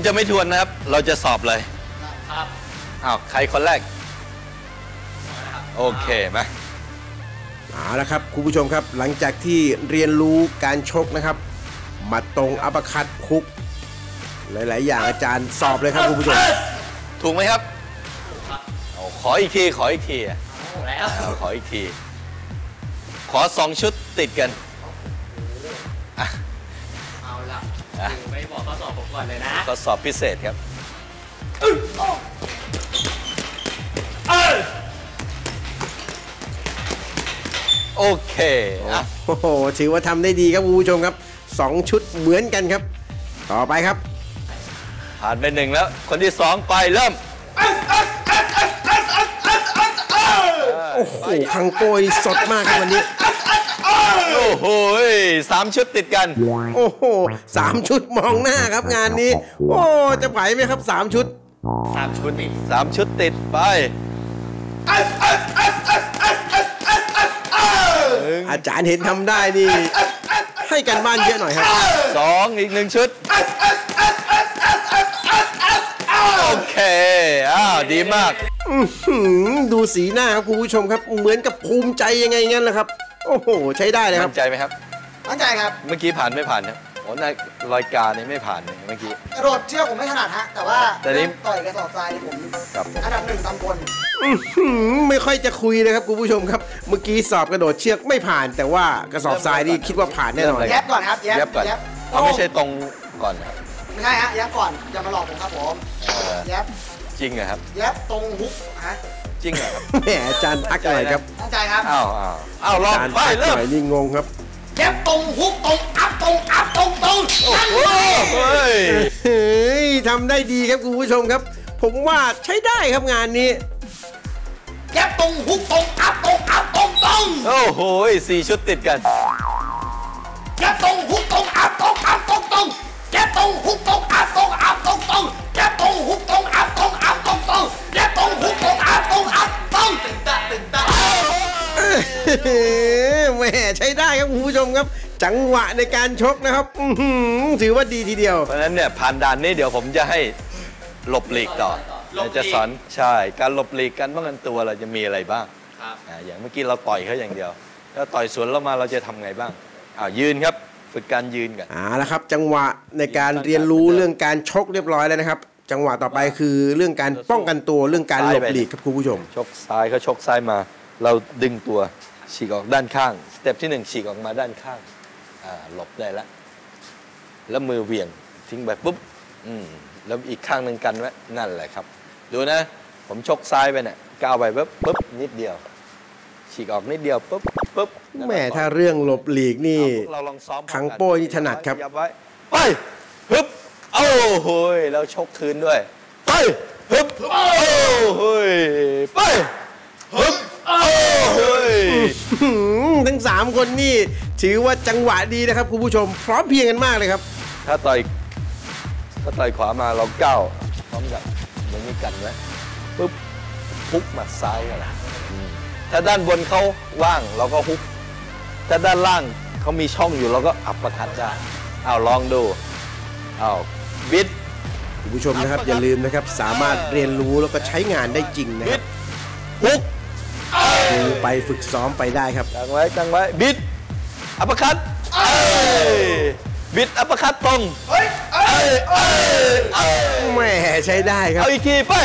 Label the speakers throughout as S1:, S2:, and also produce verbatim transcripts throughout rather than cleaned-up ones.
S1: จะไม่ทวนนะครับเราจะสอบเลยครับอ้าวใครคนแรกโอเคมา
S2: เอาละครับคุณผู้ชมครับหลังจากที่เรียนรู้การชกนะครับหมัดตรงอัปคัตคุกหลายๆอย่างอาจารย์สอบเลยครับคุณผู้ชม
S1: ถูกไหมครับขออีกทีขออีกทีแล้วขออีกทีขอสองชุดติดกัน
S3: เอาละไม่บอกข้อสอบผมก่อนเลยนะ
S1: ข้อสอบพิเศษครับโอเค
S2: โอ้โหถือว่าทำได้ดีครับคุณผู้ชมครับสองชุดเหมือนกันครับต่อไปครับ
S1: ผ่านไปหนึ่งแล้วคนที่สองไปเริ่ม
S2: โอ้โหคังโป้ยสดมากครับวันนี้
S1: โอ้โหสามชุดติดกัน
S2: โอ้โหสามชุดมองหน้าครับงานนี้โอ้จะไหวไหมครับสามชุด
S1: สามชุดติดสามชุดติดไป
S2: อาจารย์เห็นทำได้นี่ให้กันบ้านเยอะหน่อยครับ
S1: สองอีกหนึ่งชุดโอเคอ้าวดีมาก
S2: ดูสีหน้าครับคุณผู้ชมครับเหมือนกับภูมิใจยังไงงั้นแหละครับโอ้โหใช้ได้เลยครับ
S1: มั่นใจไหมครับ
S3: มั่นใจครับ
S1: เมื่อกี้ผ่านไม่ผ่านครับโอ้ในรายการนี้ไม่ผ่านเมื่อกี้
S3: กระโดดเชือกผมไม่ถนัดฮะแต่ว่าต่อยกระสอบทรายผมอันดับหนึ่งตำบล
S2: ไม่ค่อยจะคุยเลยครับคุณผู้ชมครับเมื่อกี้สอบกระโดดเชือกไม่ผ่านแต่ว่ากระสอบทรายนี่คิดว่าผ่านแน่นอน
S3: แยบก่อนครับแยบ
S1: ก่อนไม่ใช่ตรงก่อน
S3: ไม่ใช่ฮะแยบก่อนอย่ามาหลอกผมครับผมแยบ
S1: จริงเหรอครับ
S3: แยบตรงฮุกฮะ
S1: จริงเหรอครับ
S2: แหมอาจารย์ทักหน่อยครับ
S3: ตั้งใจครับ
S1: อ้าวอ้าวอ้าวลองไปเริ่ม
S2: นี่งงครับ
S3: แยบตรงฮุกตรงอัพตรงอัพตรงตรง
S1: โอ้โหเ
S2: ฮ้ยทำได้ดีครับคุณผู้ชมครับผมว่าใช้ได้ครับงานนี้
S3: แยบตรงฮุกตรงอัพตรงอัพตรงตรง
S1: โอ้โหสี่ชุดติดกัน
S3: แยบตรงฮุกตรงอัพตรงอัพตรงตรงแยบตรงฮุกตรงอัพตรงอัพตรงตรงแยบตรงฮุกตรงอัพตรงอัพตรงตรงแยบตรงฮุกตรงอัพตรงอัพตรงตึงตะตึงตะ
S2: แหมใช้ได้ครับคุณผู้ชมครับจังหวะในการชกนะครับถือว่าดีทีเดียว
S1: เพราะฉะนั้นเนี่ยผ่านด่านนี้เดี๋ยวผมจะให้หลบหลีกต่อเราจะสอนใช่การหลบหลีกการป้องกันตัวเราจะมีอะไรบ้างอย่างเมื่อกี้เราต่อยเขาอย่างเดียวแล้วต่อยสวนเรามาเราจะทำไงบ้างอ้าวยืนครับฝึกการยืนกัน
S2: อ่าแล้วครับจังหวะในการเรียนรู้เรื่องการชกเรียบร้อยแล้วนะครับจังหวะต่อไปคือเรื่องการป้องกันตัวเรื่องการหลบหลีกครับคุณผู้ชม
S1: ชกซ้ายเขาชกซ้ายมาเราดึงตัวฉีกออกด้านข้างสเต็ปที่หนึ่งฉีกออกมาด้านข้างอ่าหลบได้แล้วแล้วมือเหวี่ยงทิ้งไปปุ๊บอืมแล้วอีกข้างหนึ่งกันไว้นั่นแหละครับดูนะผมชกซ้ายไปเนี่ยก้าวไปปุ๊บปุ๊บนิดเดียวฉีกออกนิดเดียวปุ๊บปุ๊บ
S2: แม่ถ้าเรื่องหลบหลีกนี่คังโป้นี่ถนัดครับ
S1: ไปฮึบโอ้โหแล้วชกคืนด้วยไปฮึบโอ้โหไปฮึบโอ้โห
S2: ทั้งสามคนนี่ถือว่าจังหวะดีนะครับคุณผู้ชมพร้อมเพียงกันมากเลยครับ
S1: ถ้าต่อยถ้าต่อยขวามาเราก้าวพร้อมกับอย่างนี้กันไว้ปุ๊บฮุกหมัดซ้ายกันละถ้าด้านบนเขาว่างเราก็ฮุกถ้าด้านล่างเขามีช่องอยู่เราก็อัปเปอร์คัตได้เอาลองดูเอาบิด
S2: คุณผู้ชมนะครับอย่าลืมนะครับสามารถเรียนรู้แล้วก็ใช้งานได้จริงนะครับ
S1: ฮุก
S2: ดูไปฝึกซ้อมไปได้ครับ
S1: ตั้งไว้ตั้งไว้บิดอัปเปอร์คัตบิดอัปเปอร์คัตตรง
S2: แหมใช้ได้ครับ
S1: เอาอีกทีไป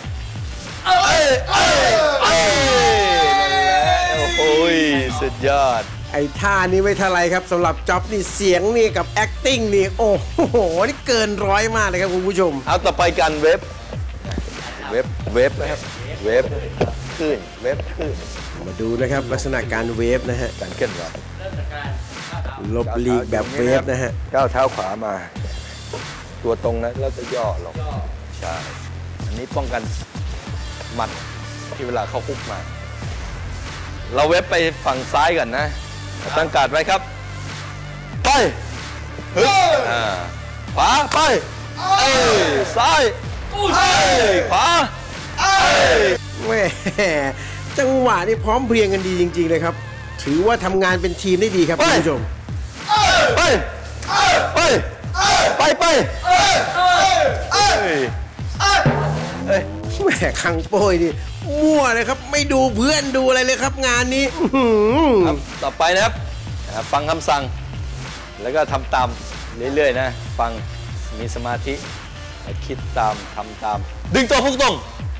S1: โอ้ยสุดยอด
S2: ไอ้ท่านี้ไม่เท่าไรครับสำหรับจ็อบนี่เสียงนี่กับ acting นี่โอ้โหนี่เกินร้อยมากเลยครับคุณผู้ชม
S1: เอาต่อไปกันเว็บเว็บเว็บนะครับเว็บขึ้นเว็บขึ้น
S2: มาดูนะครับลักษณะการเวฟนะฮะ
S1: การเคลื่อนไหว
S2: ลบลีกแบบเวฟนะฮะ
S1: ก้าวเท้าขวามาตัวตรงนะแล้วจะย่อลงใช่อันนี้ป้องกันหมัดที่เวลาเขาคุกมาเราเว็บไปฝั่งซ้ายก่อนนะตั้งการ์ดไว้ครับไปฮึบขวาไปซ้ายขวา
S2: แม่จังหวะนี่พร้อมเพรียงกันดีจริงๆเลยครับถือว่าทำงานเป็นทีมได้ดีครับคุณผู้ชม
S1: ไปไปไปไปเอ้ยเอ้ยเอ้ย
S2: แหมคังโป้ยนี่มั่วเลยครับไม่ดูเพื่อนดูอะไรเลยครับงานนี้
S1: ครับต่อไปนะครับฟังคำสั่งแล้วก็ทำตามเรื่อยๆนะฟังมีสมาธิคิดตามทำตามดึงตรงฮุกตรง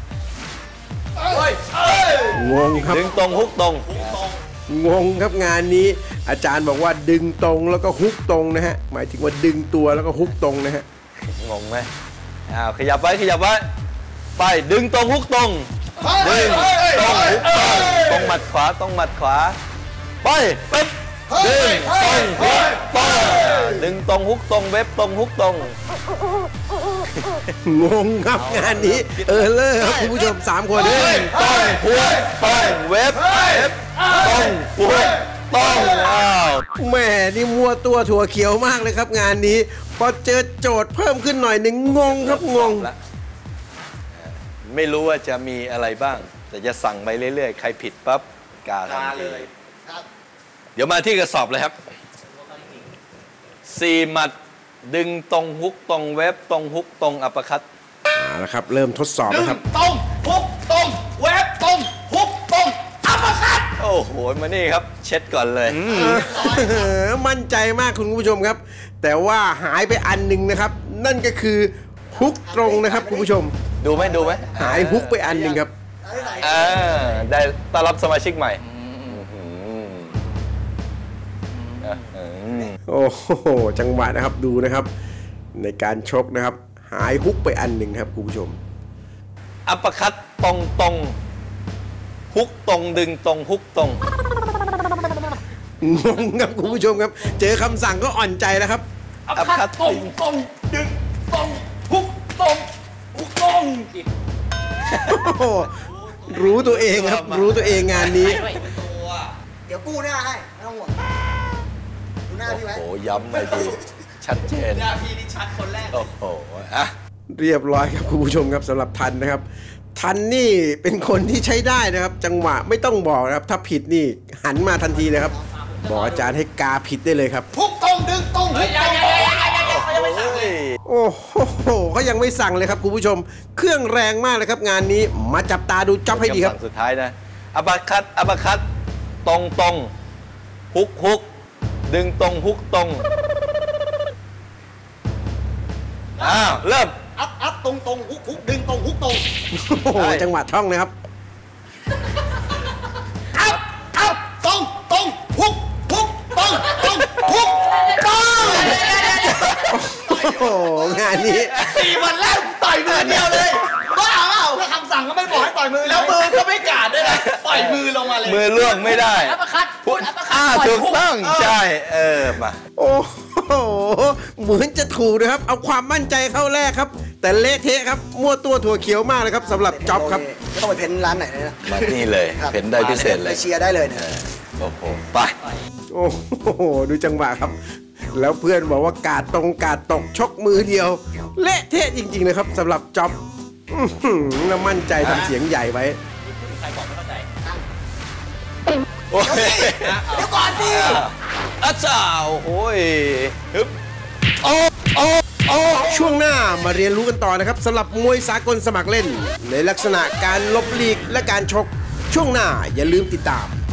S2: งงครับ
S1: ดึงตรงฮุกตรง
S2: งงครับงานนี้อาจารย์บอกว่าดึงตรงแล้วก็ฮุกตรงนะฮะหมายถึงว่าดึงตัวแล้วก็ฮุกตรงนะฮะ
S1: งงไหมอ้าวขยับไว้ขยับไว้ไปดึงตรงฮุกตรงดึงตรงฮุกตรงตรงหมัดขวาตรงหมัดขวาไปปึ๊บดึงตรงฮุกตรงดึงตรงฮุกตรงเว็บตรงฮุกตรง
S2: งงครับงานนี้เออเลอครับคุณผู้ชมสามคน
S1: ดึงตรงฮุกตรงเว็บเว็บตรงฮุกตรงอ้าว
S2: แม่นี่มัวตัวถั่วเขียวมากเลยครับงานนี้พอเจอโจทย์เพิ่มขึ้นหน่อยหนึ่งงงครับงง
S1: ไม่รู้ว่าจะมีอะไรบ้างแต่จะสั่งไปเรื่อยๆใครผิดปั๊บกาทันทีเดี๋ยวมาที่กระสอบเลยครับสี่หมัดดึงตรงฮุกตรงเว็บตรงฮุกตรงอัปคัต
S2: เอาละครับเริ่มทดสอบนะครับ
S3: ตรงฮุกตรงเว็บตรงฮุกตรงอัปคัต
S1: โอ้โหมานี่ครับเช็ดก่อนเลย
S2: มั่นใจมากคุณผู้ชมครับแต่ว่าหายไปอันหนึ่งนะครับนั่นก็คือฮุกตรงนะครับคุณผู้ชม
S1: ดูไหมดูไหม
S2: หายฮุกไปอันหนึ่งครับ
S1: อ่าได้ต้อนรับสมาชิกใหม่
S2: โอ้โหจังหวะนะครับดูนะครับในการชกนะครับหายฮุกไปอันหนึ่งครับคุณผู้ชม
S1: อัปเปอร์คัตตรงตรงฮุกตรงดึงตรงฮุกตรง
S2: งงครับคุณผู้ชมครับเจอคำสั่งก็อ่อนใจแล้วครับ
S3: อัปเปอร์คัตตรงตรงดึงตรงฮุกตรงฮุกตรง
S2: รู้ตัวเองครับรู้ตัวเองงานนี้
S3: เดี๋ยวกู้หน้าให้ไม่ต้องห่วงดูหน้าพี่ไว้
S1: โอ้โหย้ำไปดีชัดเจน
S3: หน้าพี่นี่ชัดคนแรก
S1: โอ้โหอะ
S2: เรียบร้อยครับคุณผู้ชมครับสำหรับทันนะครับทันนี่เป็นคนที่ใช้ได้นะครับจังหวะไม่ต้องบอกนะครับถ้าผิดนี่หันมาทันทีเลยครับบอกอาจารย์ให้กาผิดได้เลยครับ
S3: ทุกตรงดึงตรงทุกตรง
S2: โอ้โหเขายังไม่สั่งเลยครับคุณผู้ชมเครื่องแรงมากเลยครับงานนี้มาจับตาดูจ็อบให้ดีครับ
S1: สุดท้ายนะอัปคัตอัปคัตตรงตรงฮุกฮุกดึงตรงฮุกตรงอ้าวเริ่ม
S3: อัพอัพตรงตรงฮุกฮุกดึงตรงฮุกตรง
S2: โอ้โหจังหวะท่องนะครับ
S3: อัพอัพตรงตรงฮุกฮุกตรงตรงฮุกตรง
S2: โอ้โหงานนี้
S3: สี่วันแรกต่อยมือเดียวเลยบ้าเปล่าถ้าคำสั่งก็ไม่บอกให้ต่อยมือแล้วมือก็ไม่กาดด้วยนะต่อยมือลงมาเลย
S1: มือล่วงไม่ได้
S3: อัปคัตพูดอัปคัต
S1: ถูกต้องใช่เออมา
S2: โอ้โหเหมือนจะถูกนะครับเอาความมั่นใจเข้าแรกครับแต่เละเทะครับมั่วตัวถั่วเขียวมากเลยครับสำหรับจ็อบครับ
S3: ไม่ต้องไปเพ้นร้านไหนเลยนะ
S1: มานี่เลยเพ้นได้พิเศษเลย
S3: ไปเชียร์ได้เลย
S1: โอ้โหไป
S2: โอ้โหดูจังหวะครับแล้วเพื่อนบอกว่ากาดตรงกาดตกชกมือเดียวเละเทะจริงๆนะครับสำหรับจ็อบน่ามั่นใจทำเสียงใหญ่ไว้
S3: ใครบอกไม่เข้าใจ
S1: โอ้ย
S3: เดี๋ยวก่อนดิ
S1: อาจารย์โอ้ยฮึบโอ้โอ้โอ้
S2: ช่วงหน้ามาเรียนรู้กันต่อนะครับสำหรับมวยสากลสมัครเล่นในลักษณะการลบลีกและการชกช่วงหน้าอย่าลืมติดตาม